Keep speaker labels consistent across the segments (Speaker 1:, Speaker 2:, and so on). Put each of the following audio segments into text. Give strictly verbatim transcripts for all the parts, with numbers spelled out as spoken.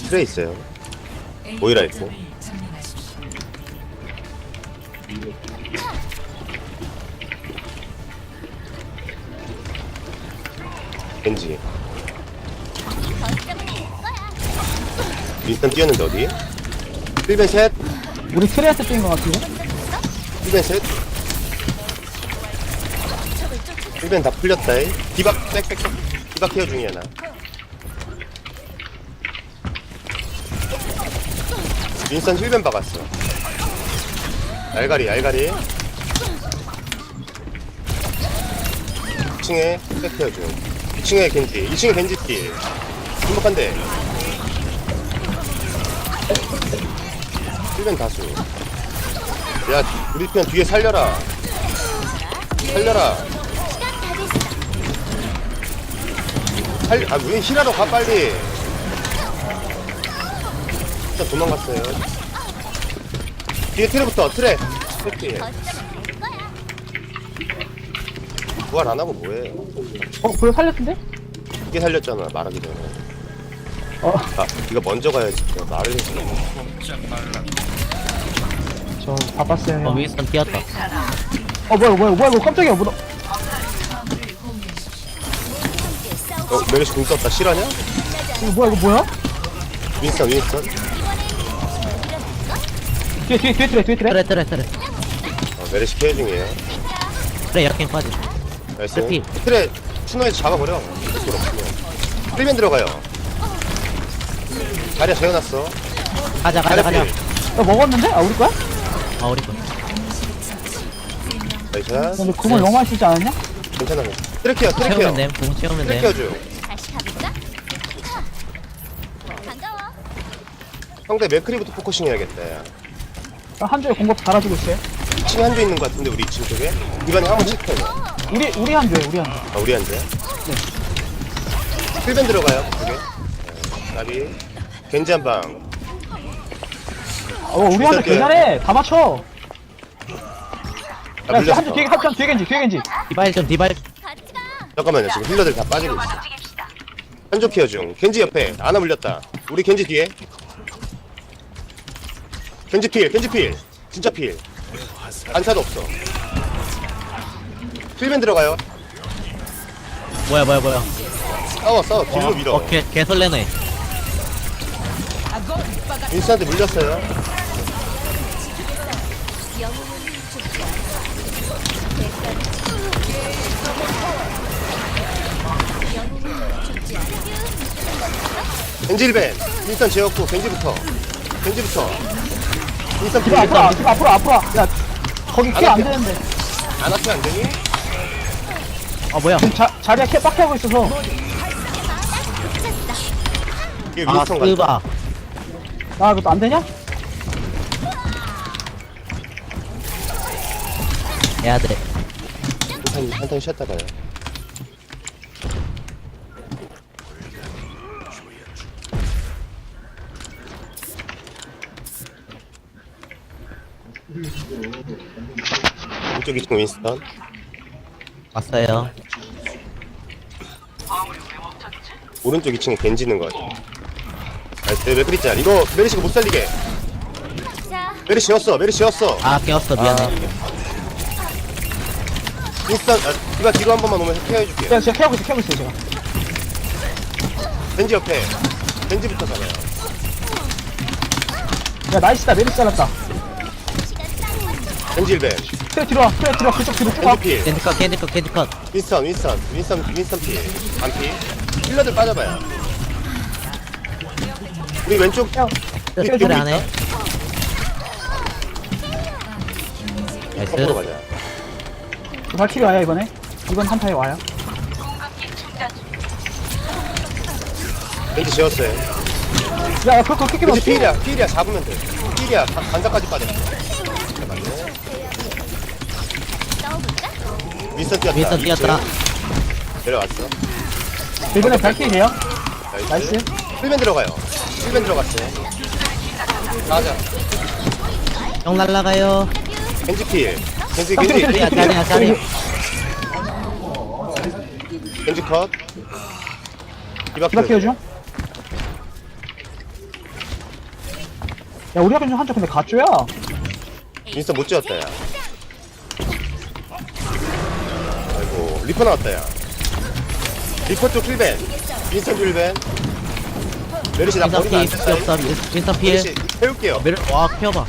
Speaker 1: 트레 있어요. 모이라 있고. 겐지. 일단 뛰었는데 어디? 일 벤 셋.
Speaker 2: 우리 트레한테 뛴것 같은데?
Speaker 1: 일 벤 셋. 일 벤 다 풀렸다. 이. 디박 빽빽빽. 디박 케어 중이야 나. 윈선 힐벤 박았어. 알가리 알가리. 이 층에 백케어 중. 이 층에 겐지. 이 층에 겐지 띠. 행복한데. 힐벤 다수. 야 우리 편 뒤에 살려라. 살려라. 살, 아, 왜 힐하러 가, 빨리. 일단 도망갔어요. 뒤에 트레부터, 트레. 트레. 부활 안 하고 뭐해.
Speaker 2: 어, 그걸 살렸던데?
Speaker 1: 이게 살렸잖아, 말하기 전에.
Speaker 2: 어,
Speaker 1: 아, 이거 먼저 가야지. 내가 말을 해서.
Speaker 2: 저 바빴어요.
Speaker 3: 어
Speaker 2: 형.
Speaker 3: 윈스턴 뛰었다.
Speaker 2: 어, 뭐야, 뭐야, 뭐야, 이거 깜짝이야, 뭐,
Speaker 1: 어, 메르시 궁 썼다. 실화냐?
Speaker 2: 이거 뭐야, 이거 뭐야?
Speaker 1: 윈스턴, 윈스턴.
Speaker 2: 뒤에, 뒤에, 뒤에 트레, 뒤에 트레.
Speaker 3: 트레 트레 트레
Speaker 1: 어, 메르시 케어 중이에요.
Speaker 3: 트레 약행 빠지.
Speaker 1: 나이스.
Speaker 3: 트레 필.
Speaker 1: 트레, 추노에서 잡아버려. 그걸 없으면. 힐맨 들어가요. 자리야 재워놨어.
Speaker 3: 가자 가자 가자.
Speaker 1: 필.
Speaker 2: 야, 먹었는데? 아, 우리 거야?
Speaker 3: 아 우리 거.
Speaker 1: 나이스.
Speaker 2: 근데 그걸 너무 많이 쓰지 않았냐?
Speaker 1: 괜찮아. 트레케어, 트레케어.
Speaker 3: 채우면 됨. 공 채우면
Speaker 1: 트레케어
Speaker 3: 됨.
Speaker 1: 줘.
Speaker 4: 다시 가볼까? 반가워.
Speaker 1: 상대 맥크리부터 포커싱 해야겠다. 야.
Speaker 2: 아, 한 줄에 공급 달아주고 있어요.
Speaker 1: 이 층에 한조 있는 것 같은데 우리 이 층 쪽에? 이번에 한번 체크해.
Speaker 2: 우리, 우리 한 줄에, 우리 한 줄.
Speaker 1: 아 우리 한조? 네. 힐벤 들어가요 그쪽에. 네. 나비. 겐지 한 방.
Speaker 2: 어, 우리 한 줄 개잘해. 다 맞춰.
Speaker 1: 아
Speaker 2: 야,
Speaker 1: 물렸어.
Speaker 2: 한 줄 뒤에, 한 뒤에 겐지, 뒤에 겐지.
Speaker 3: 디발 좀 디발.
Speaker 4: 같이 가.
Speaker 1: 잠깐만요 지금 힐러들 다 빠지고 있어. 한조 케어 중. 겐지 옆에 아나 물렸다. 우리 겐지 뒤에. 겐지 필, 겐지 필. 진짜 필. 안타도 없어. 힐벤 들어가요.
Speaker 3: 뭐야 뭐야 뭐야.
Speaker 1: 싸워 싸워 딜로 밀어.
Speaker 3: 어 개 개설레네.
Speaker 1: 윈스한테 물렸어요.
Speaker 4: 영웅은 죽지 않아. 영웅은 죽지 않아.
Speaker 1: 겐지 힐벤. 윈스턴 재웠고 겐지부터. 겐지부터. 윈스턴 필.
Speaker 2: 뒤로 앞으로, 와, 뒤로 앞으로, 앞으로. 와. 야, 거기
Speaker 1: 안
Speaker 2: 키 안
Speaker 1: 할게.
Speaker 2: 되는데.
Speaker 1: 안 앞에 안 되니?
Speaker 3: 아 뭐야.
Speaker 2: 지금 자, 자리가 키 빡게 하고 있어서.
Speaker 1: 이게
Speaker 3: 아
Speaker 1: 윈스턴 같다.
Speaker 3: 스바.
Speaker 2: 아, 이것도 안 되냐?
Speaker 3: 해야 돼.
Speaker 1: 한탄 한탄 쉬었다 가요. 이쪽 이 층 윈스턴.
Speaker 3: 왔어요.
Speaker 1: 오른쪽 이 층에 겐지는 거 같아. 나이스 맥크리 짤. 이거 메리시가 못 살리게.
Speaker 4: 자,
Speaker 1: 메리시 였어. 메리시 였어.
Speaker 3: 아 깨웠어 미안해.
Speaker 1: 윈스턴 아, 이거 뒤로 한 번만 오면 케어해줄게.
Speaker 2: 제가, 제가 캐고 있어, 캐고 있어요, 제가.
Speaker 1: 겐지 옆에. 겐지부터 잡아요.
Speaker 2: 야, 나이스다, 메리스 잘랐다.
Speaker 1: 겐지 힐벤.
Speaker 2: 트레 뒤로 와, 트레 뒤로 와, 그쪽 뒤로 쭉 와.
Speaker 1: 겐지 필.
Speaker 3: 캔디 컷 캔디 컷 캔디 컷.
Speaker 1: 윈스턴 윈스턴 윈스턴 윈스턴 필. 안 필. 힐러들 빠져봐요. 우리 왼쪽
Speaker 2: 야,
Speaker 3: 트레 트레 안 해.
Speaker 1: 거꾸로
Speaker 3: 나이스.
Speaker 1: 가자.
Speaker 2: 발키리 와요, 이번에. 이번 한타에 와요.
Speaker 1: 겐지 지웠어요.
Speaker 2: 야, 야, 그거 킥기
Speaker 1: 겐지
Speaker 2: 넣었어.
Speaker 1: 필이야. 필이야. 잡으면 돼. 필이야. 간- 간사까지 빠졌어. 맞네.
Speaker 4: 넣어볼까?
Speaker 1: 윈스턴 뛰었다.
Speaker 3: 윈스턴 뛰었다.
Speaker 1: 내려왔어.
Speaker 2: 이번에 발키리 돼요?
Speaker 1: 나이스.
Speaker 2: 나이스.
Speaker 1: 힐맨 들어가요. 힐맨 들어갔어요. 가자.
Speaker 3: 형 날라가요.
Speaker 1: 겐지 필. 겐지
Speaker 2: 아,
Speaker 1: 겐지
Speaker 2: 트레, 트레,
Speaker 3: 야
Speaker 1: 겐지
Speaker 2: 트레,
Speaker 3: 자리야
Speaker 2: 트레.
Speaker 3: 자리.
Speaker 1: 겐지 컷.
Speaker 2: 디바 케어 중. 야 우리 학교 중 한쪽 근데 가쪼야.
Speaker 1: 윈스턴 못 지었다 야. 아이고 리퍼 나왔다 야. 리퍼 쪽 킬벤. 윈스턴 킬벤. 메르시 나
Speaker 3: 윈선
Speaker 1: 버리면 안
Speaker 3: 피
Speaker 1: 된다.
Speaker 3: 없어. 윈선 피해.
Speaker 1: 메르시 태울게요.
Speaker 3: 메르 와 키워봐.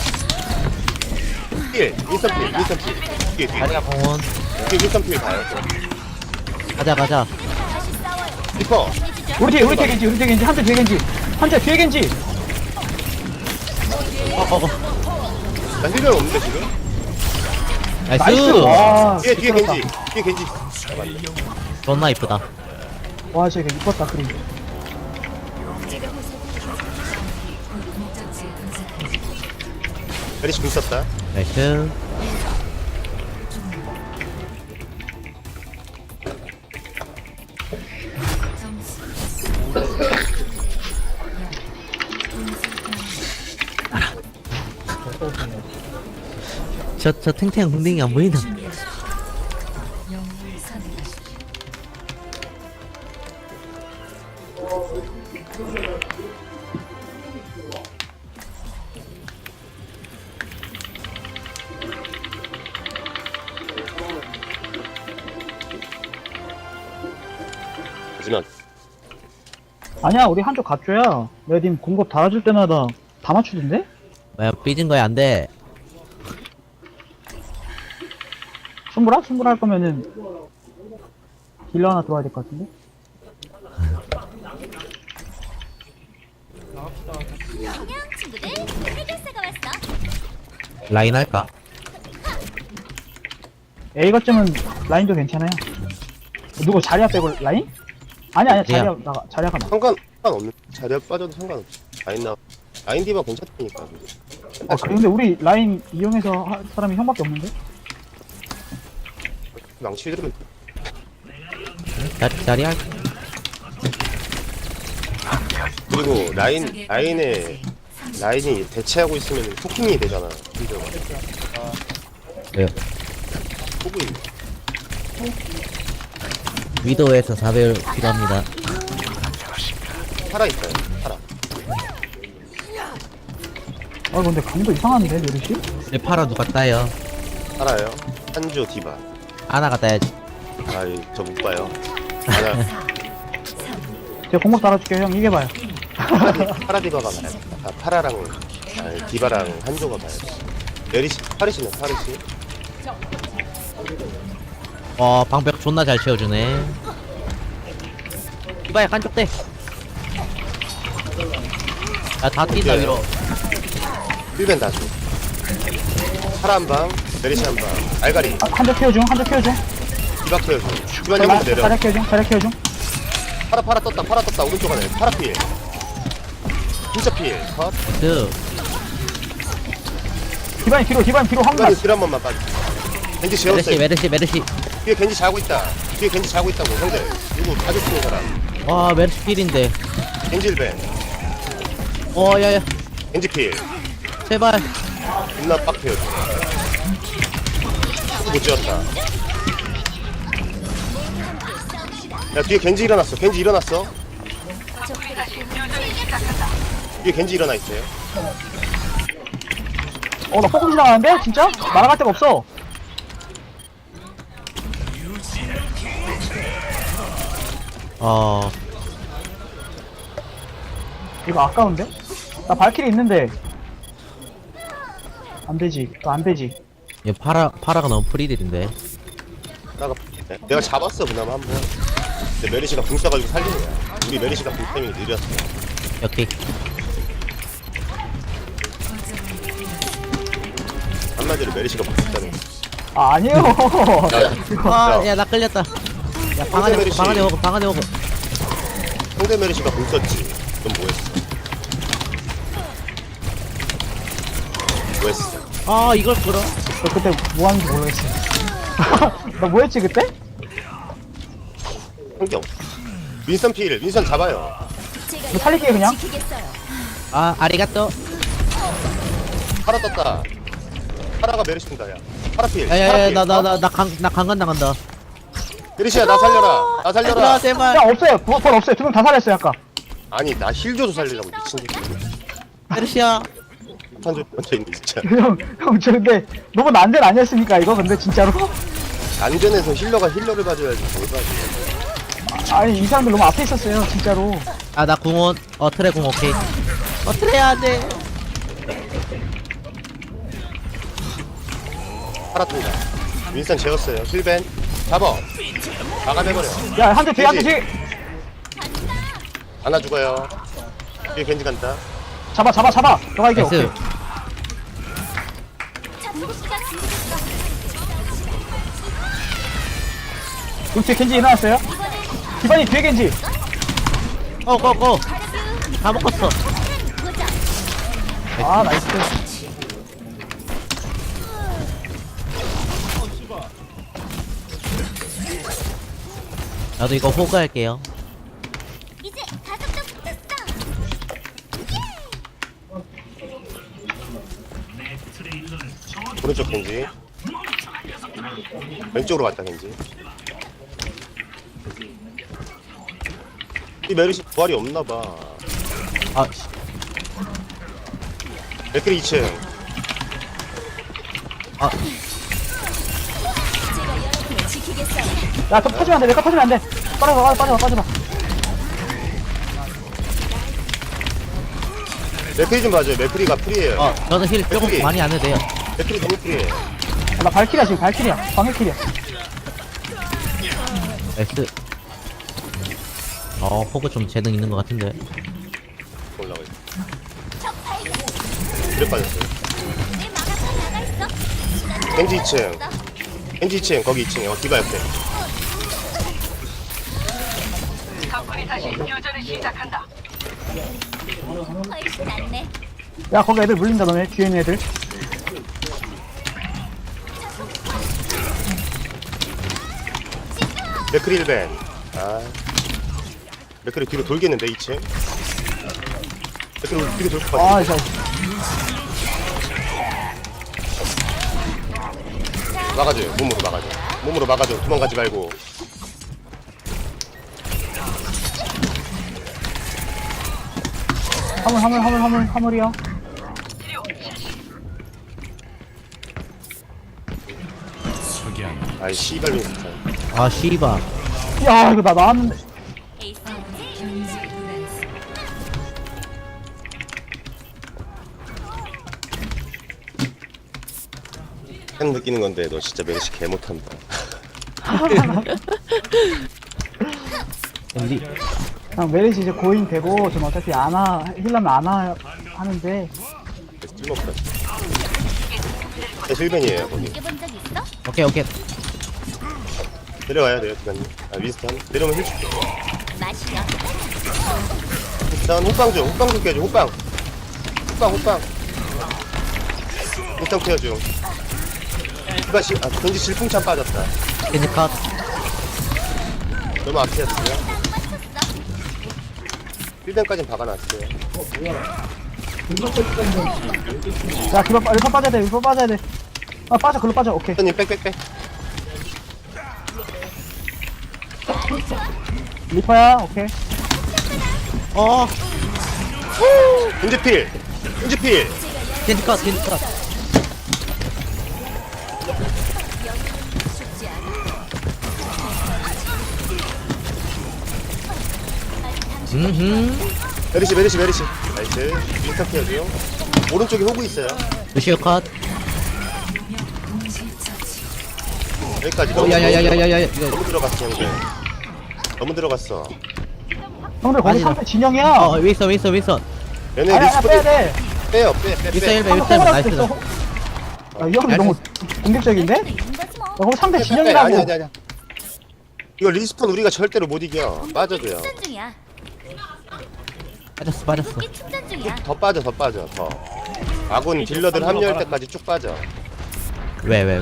Speaker 1: 필. 윈스턴 필. 윈스턴 필. 뒤에 뒤에.
Speaker 3: 다리가 공원.
Speaker 1: 뒤에 윈스턴 필 봐요.
Speaker 3: 가자 가자.
Speaker 1: 리퍼.
Speaker 2: 우리 뒤에 우리 뒤에 겐지 우리 뒤에 겐지 한쪽 뒤에 겐지 한쪽 뒤에 겐지.
Speaker 3: 어어어.
Speaker 1: 나 힐변 없는데 지금?
Speaker 3: 나이스.
Speaker 2: 나이스. 와.
Speaker 1: 뒤에 뒤에
Speaker 2: 미끄럽다.
Speaker 1: 겐지. 뒤에 겐지.
Speaker 3: 존나 이쁘다.
Speaker 2: 와 쟤가 이뻤다 그림.
Speaker 1: 메르시 궁 썼다.
Speaker 3: 나이스. 저, 저 탱탱한 궁뎅이 안 보이나?
Speaker 1: 하지만
Speaker 2: 아니야 우리 한쪽 가쪼야. 내가 님 공급 달아줄 때마다 다 맞추던데?
Speaker 3: 뭐야, 삐진 거야, 안 돼.
Speaker 2: 승부라? 승부라 할 거면은 딜러 하나 들어와야 될 것 같은데?
Speaker 4: 안녕 친구들. 해결사가 왔어.
Speaker 3: 라인 할까?
Speaker 2: A 거점은 라인도 괜찮아요. 누구 자리야 빼고 라인? 아니 아니야 자리야 나가 자리야가 나.
Speaker 1: 상관 상관없는 자리에 빠져도 상관없지. 라인 나 라인 디바 괜찮다니까.
Speaker 2: 아 그래 근데 우리 라인 이용해서 할 사람이 형밖에 없는데?
Speaker 1: 망치 들으면
Speaker 3: 자리, 자리 할
Speaker 1: 그리고 라인 라인에 라인이 대체하고 있으면 토킹이 되잖아. 힘들어.
Speaker 3: 왜요?
Speaker 1: 호구인.
Speaker 3: 위도우에서 사배율 필요합니다.
Speaker 1: 살아 있어요. 살아.
Speaker 2: 아 근데 강도 이상한데 메르시?
Speaker 3: 내 팔아 누가 따요?
Speaker 1: 살아요. 한조 디바.
Speaker 3: 아나가 따야지.
Speaker 1: 아이 저 못 봐요. 하나
Speaker 2: 제가 공급 달아줄게요 형 이겨봐요.
Speaker 1: 파라 디바가 봐야 돼. 아 파라랑 아니, 디바랑 한조가 봐야 돼. 메리시 파리시네 파리시.
Speaker 3: 어, 방벽 존나 잘 채워주네. 이봐야 깐쪽 대. 야, 다 뛴다, 위로.
Speaker 1: 일벤 다수. 파라 한 방, 메리시 한 방. 알가리
Speaker 2: 아, 한쪽 키워줘 한쪽 키워줘.
Speaker 1: 디바 키워줘. 디바
Speaker 2: 자리
Speaker 1: 님부터 내려.
Speaker 2: 자리 키워줘 자리 키워줘.
Speaker 1: 파라 파라 떴다 파라 떴다 오른쪽 안에 파라 피해. 진짜 피해. 컷.
Speaker 3: 그,
Speaker 2: 기반이 뒤로 기반이 뒤로
Speaker 1: 디바님
Speaker 2: 황갈.
Speaker 1: 딜한 번만 빠지. 겐지
Speaker 3: 메르시,
Speaker 1: 재웠어요.
Speaker 3: 메르시, 메르시.
Speaker 1: 뒤에 겐지 자고 있다. 뒤에 겐지 자고 있다고 형들. 누구 가족 쓰는 사람.
Speaker 3: 와, 메르시 필인데.
Speaker 1: 겐지 일벤.
Speaker 3: 어, 야, 야.
Speaker 1: 겐지 필.
Speaker 3: 제발.
Speaker 1: 존나 빡해요. 못 지었다. 야 뒤에 겐지 일어났어. 겐지 일어났어. 뒤에 겐지 일어나 있어요.
Speaker 2: 어나 포커스 나가는데 진짜? 날아갈 데가 없어.
Speaker 3: 어,
Speaker 2: 이거 아까운데? 나 발키리 있는데 안 되지. 또 안 되지.
Speaker 3: 얘 파라, 파라가 너무 프리들인데.
Speaker 1: 나가 내가 잡았어 그나마 한 번. 근데 메리시가 궁 써가지고 살린 거야. 우리 메리시가 궁 때문에 느렸어.
Speaker 3: 여기.
Speaker 1: 한마디로 메리시가 못했다는 거.
Speaker 2: 아 아니에요. 이거
Speaker 3: 아,
Speaker 1: 야.
Speaker 3: 야, 나 끌렸다. 야, 방 안에,
Speaker 1: 메르시.
Speaker 3: 방 안에 먹어, 방 안에 먹어.
Speaker 1: 상대 메리시가 궁 썼지. 그럼 뭐했어? 뭐했어?
Speaker 3: 아, 이걸 끌어.
Speaker 2: 너 그때 뭐 하는지 모르겠어. 너 뭐했지 그때?
Speaker 1: 환경. 윈선 필. 윈선 잡아요.
Speaker 4: 제가
Speaker 2: 너 살릴게요, 그냥.
Speaker 4: 지키겠어요.
Speaker 3: 아, 아리가또.
Speaker 1: 파라 떴다. 파라가 메리시 군다 야. 파라 필.
Speaker 3: 야, 야,
Speaker 1: 파라
Speaker 3: 야,
Speaker 1: 필.
Speaker 3: 나, 나, 나, 나 강, 나 강간 당한다.
Speaker 1: 메리시야 나 살려라. 나 살려라.
Speaker 3: 얘들아, 제발.
Speaker 2: 야 없어요. 부- 벌 없어요. 두 명 다 살렸어요 아까.
Speaker 1: 아니 나 힐 줘서 살리려고 미친 새끼.
Speaker 3: 메르시야.
Speaker 1: 한줄 얹혀있네 진짜.
Speaker 2: 형, 형, 저 근데 너무 난전 아니었습니까, 이거? 근데 진짜로?
Speaker 1: 안전에서 힐러가 힐러를 봐줘야지 뭘 봐줘.
Speaker 2: 아니, 이 사람들 너무 앞에 있었어요, 진짜로.
Speaker 3: 아 나 궁원 어 트레 궁 오케이. 어 트레 안돼.
Speaker 1: 팔았습니다. 윈스턴 재웠어요. 힐벤 잡어. 막아내버려.
Speaker 2: 야, 한 대 뒤에, 한 대 뒤에!
Speaker 1: 하나 죽어요. 뒤에 겐지 간다.
Speaker 2: 잡아, 잡아, 잡아! 너가 이겨, 오케이.
Speaker 3: 나이스.
Speaker 4: 궁극기가 준비됐어.
Speaker 2: 우리 뒤에 겐지 일어났어요? 기반이 뒤에 겐지!
Speaker 3: 고고고. 다 먹었어.
Speaker 4: 보자.
Speaker 2: 아, 나이스.
Speaker 3: 나도 이거 호그 할게요.
Speaker 4: 이제 가속도 붙었어.
Speaker 1: 오른쪽 겐지. 왼쪽으로 갔다 겐지. 이 메르시 부활이 없나봐.
Speaker 3: 아 씨.
Speaker 1: 맥크리 이 층.
Speaker 3: 아
Speaker 4: 제가 여러분을 지키겠어요.
Speaker 2: 야, 좀 터지면 안 돼, 내가 터지면 안 돼! 빠져봐, 빠져봐, 빠져봐.
Speaker 1: 맥크리 좀 봐줘요. 맥크리가 프리에요.
Speaker 3: 어, 저는 힐 조금
Speaker 1: 맥크리.
Speaker 3: 많이 안 해도 돼요.
Speaker 1: 맥크리 너무 프리해.
Speaker 2: 아, 나 발키리야, 지금 발키리야. 방해키리야.
Speaker 3: 나이스. 어, 호그 좀 재능 있는 것 같은데.
Speaker 1: 올라가 있어. 그래 빠졌어요.
Speaker 4: 내 마가파 나가 있어.
Speaker 1: 겐지 이 층. 겐지 이 층 거기 이 층에 어 디바 옆에.
Speaker 4: 훨씬 낫네.
Speaker 2: 야, 거기 애들 물린다, 너네. 뒤에 있는 애들.
Speaker 1: 맥크리 힐벤. 아. 맥크리 뒤로 돌겠는데 이 층. 맥크리 뒤로 돌 것 같아.
Speaker 2: 아, 진짜.
Speaker 1: 막아줘요. 몸으로 막아줘. 몸으로 막아줘. 도망가지 말고.
Speaker 2: 화물, 화물, 화물, 화물, 화물이야.
Speaker 1: 아이 씨발 윈스턴.
Speaker 3: 아, 씨바.
Speaker 2: 야, 이거 나 나왔는데.
Speaker 4: 에이스.
Speaker 1: 팬 느끼는 건데 너 진짜 메르시 개 못한다.
Speaker 3: 리,
Speaker 2: 그냥 메리시 이제 고인 되고, 좀 어차피 안아, 힐라면 안아 하는데.
Speaker 1: 쓸모없다. 네, 힐벤이에요 거기.
Speaker 4: 느껴본 적 있어?
Speaker 3: 오케이, 오케이.
Speaker 1: 내려와야 돼요 기관님. 아 윈스턴 내려오면 힐 줄게.
Speaker 4: 마시려.
Speaker 1: 일단 호빵 좀 호빵 좀 깨줘 호빵. 호빵 호빵. 윈스턴 케어 중. 디바 시, 아 겐지 질풍참 빠졌다.
Speaker 3: 겐지 컷.
Speaker 1: 너무 앞이었어요. 힐벤까진 박아놨어요.
Speaker 2: 야, 그거 빠, 일파 빠져야 돼, 일파 빠져야 돼. 아, 빠져, 글로 빠져, 오케이.
Speaker 1: 윈스턴님 빽빽빽.
Speaker 2: 리퍼야, 오케이.
Speaker 3: 어,
Speaker 1: 겐지 필. 겐지 필.
Speaker 3: 겐지 컷, 겐지 컷. 음흠.
Speaker 1: 메르시 메르시 메르시. 나이스. 윈스턴 케어 중. 오른쪽에 호구 있어요.
Speaker 3: 루시오 컷.
Speaker 1: 여기까지.
Speaker 3: 어,
Speaker 1: 너무,
Speaker 3: 야야야야야야. 이거.
Speaker 1: 너무 들어갔어 형들. 너무 들어갔어.
Speaker 2: 형들, 거기
Speaker 3: 아니다.
Speaker 2: 상대 진영이야.
Speaker 3: 어, 윈선, 윈선, 윈선.
Speaker 1: 얘네
Speaker 2: 아니, 아니, 빼야
Speaker 1: 리스폰
Speaker 2: 돼.
Speaker 1: 빼요 빼 빼
Speaker 3: 윈선
Speaker 1: 빼.
Speaker 3: 일 배,
Speaker 2: 한번
Speaker 3: 윈선
Speaker 2: 호구할
Speaker 3: 나이스.
Speaker 2: 수도 있어. 아, 이 형이 너무 공격적인데? 야,
Speaker 4: 있는 거지 뭐.
Speaker 2: 거기 상대
Speaker 1: 아니
Speaker 2: 진영이라고.
Speaker 1: 아니 아니. 이거 리스폰 우리가 절대로 못 이겨. 빠져줘요.
Speaker 4: 충전 중이야.
Speaker 3: 빠졌어, 빠졌어.
Speaker 4: 궁극기 충전 중이야.
Speaker 1: 더 빠져 더 빠져 더. 아군 딜러들 합류할 때까지 쭉 빠져.
Speaker 3: 왜, 왜, 왜.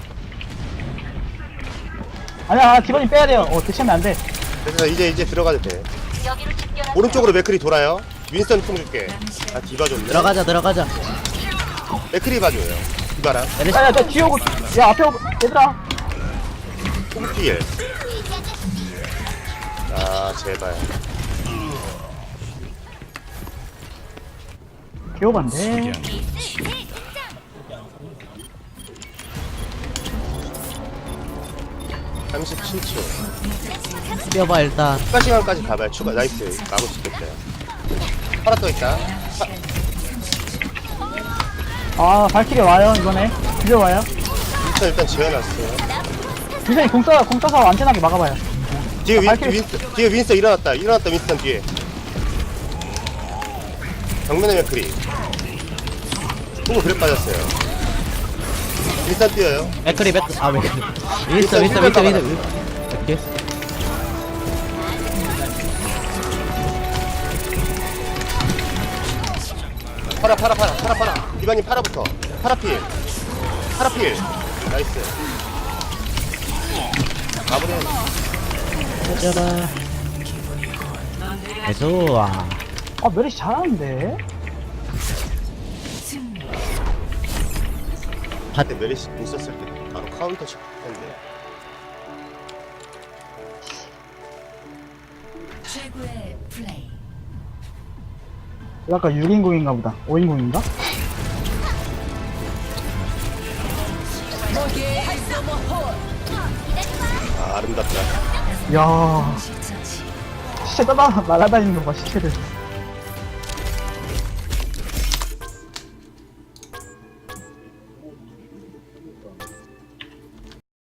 Speaker 2: 아니야, 기본이 빼야 돼요. 어, 대체하면 안 돼.
Speaker 1: 그래서 이제 이제 들어가도 돼. 오른쪽으로 맥크리 돌아요. 윈스턴 통 줄게. 아 디바 좋네.
Speaker 3: 들어가자, 들어가자.
Speaker 1: 맥크리 봐줘요. 디바랑
Speaker 3: 메르시.
Speaker 2: 야, 야, 저 뒤에 오고, 야, 앞에 오고, 얘들아.
Speaker 1: 호구필. 아 제발.
Speaker 2: 개오반데.
Speaker 4: 에이스 대등장.
Speaker 1: 삼십칠 초.
Speaker 3: 뛰어봐 일단.
Speaker 1: 추가 시간까지 가봐요. 추가 나이스. 막을 수 있겠어요. 팔아 또 있다.
Speaker 2: 아, 발키리 와요, 이번에. 들려와요.
Speaker 1: 일단 일단 지어놨어요.
Speaker 2: 유선이 공 쏴, 공 쏴서 안전하게 막아봐요.
Speaker 1: 뒤에 윈,
Speaker 2: 발키리-
Speaker 1: 윈스, 뒤에 윈스턴 일어났다. 일어났다 윈스턴 뒤에. 정면에 맥크리. 호구 그래 빠졌어요. 윈스턴 뛰어요.
Speaker 3: 맥크리 맥. 아 맥크리. 윈스터 윈스터 윈스터 윈스터. 오케이.
Speaker 1: 팔아 팔아 팔아 팔아 팔아. 이반님 팔아부터. 파라필. 파라필. 나이스. 마무리해.
Speaker 3: 짜라. 좋아.
Speaker 2: 아, 메리시 잘하는데?
Speaker 1: 그때 메리시 있었을 때 바로 카운터 칠 텐데.
Speaker 5: 최고의 플레이.
Speaker 2: 약간 육 인공인가 보다. 오 인공인가?
Speaker 1: 아 아름답다.
Speaker 2: 이야. 시체 따다 날아다니는 거 봐, 시체를.